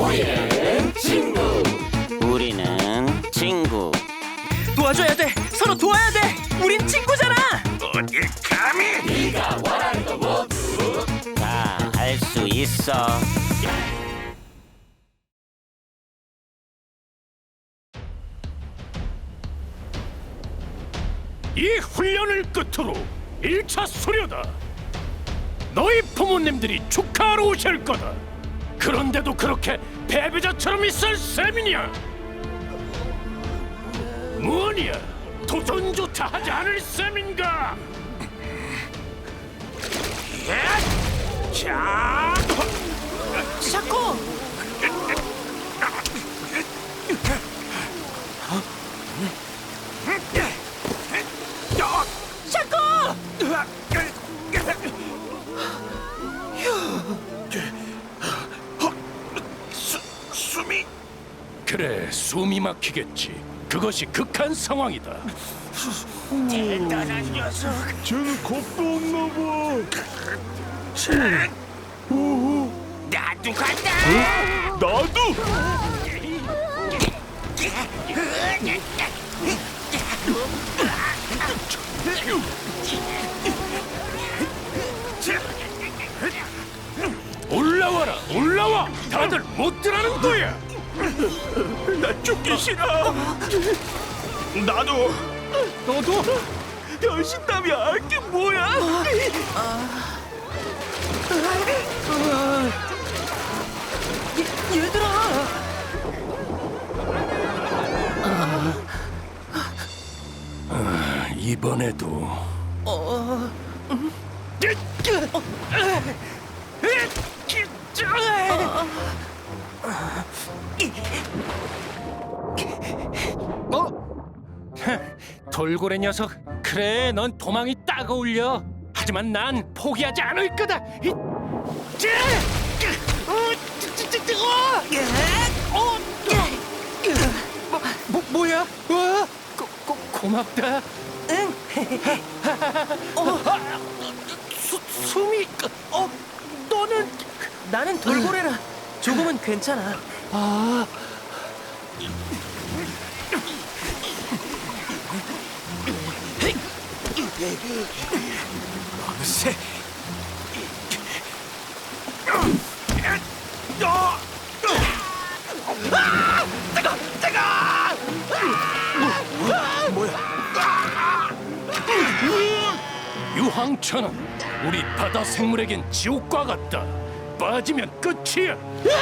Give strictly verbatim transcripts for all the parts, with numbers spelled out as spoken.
우리는 친구. 우리는 친구. 도와줘야 돼. 서로 도와야 돼. 우린 친구잖아. 어딜 감히! 네가 원하는 거 모두 다 할 수 있어. 이 훈련을 끝으로 일 차 수료다. 너희 부모님들이 축하하러 오실 거다. 그런데도 그렇게 패배자처럼 있을 셈이냐? 뭐냐? 도전조차 하지 않을 셈인가? 예? 자, 샤코. 샤코. 수, 숨이 그래, 숨이 막히겠지. 그것이 극한 상황이다. 대단한 녀석. 쟤는 겁도 없나 봐. 나도 간다. 나도. 올라와라, 올라와. 다들 못 들어가는 거야. 나 죽기 싫어. 나도. 너도? 변신남이야. 이게 뭐야? 얘, 얘들아. 이번에도 어. 돌고래 녀석. 그래, 넌 도망이 딱 어울려. 하지만 난 포기하지 않을 거다. 이- 찌! 어, 찌- 찌- 찌- 찌- 어! 어! 뭐, 뭐, 뭐야? 와, 고, 고, 고맙다. 응. 수, 숨이 어, 너는 나는 돌고래라. 조금은 괜찮아. 아, 세. 유황천은 우리 바다 생물에겐 지옥과 같다. 빠지면 끝이야.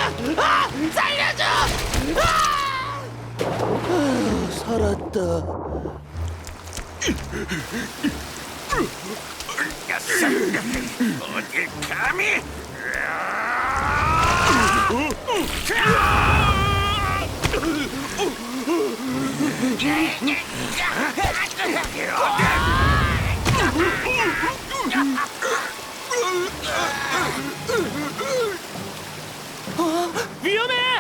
어딜 감히! 위험해.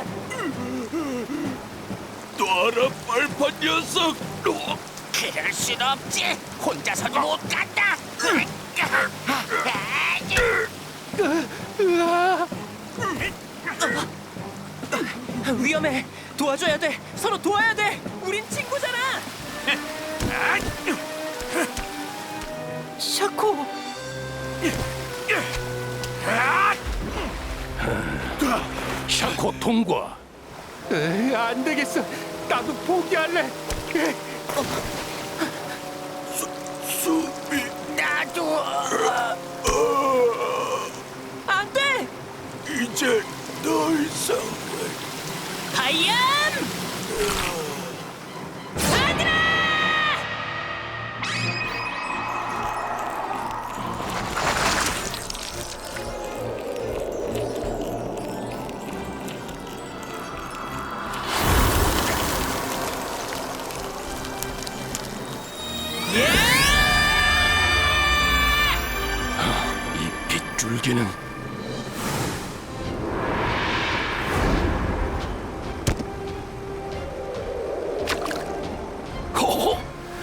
놔라, 빨판 녀석. 그럴 순 없지. 혼자서는 못 간다. 위험해. 도와줘야 돼. 서로 도와야 돼. 우린 친구잖아. 샤코. 샤코 통과. 에이, 안 되겠어. 나도 포기할래. 숨이. 나도. 안 돼. 이제 더 이상. 하얀. 하늘아. 이 빗줄기는 호호!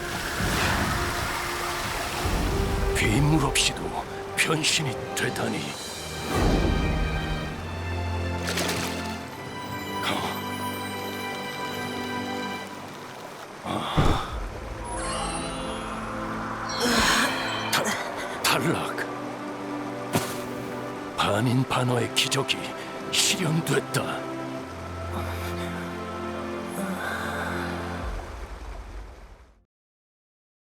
괴물 없이도 변신이 되다니. 셜록, 반인 반어의 기적이 실현됐다.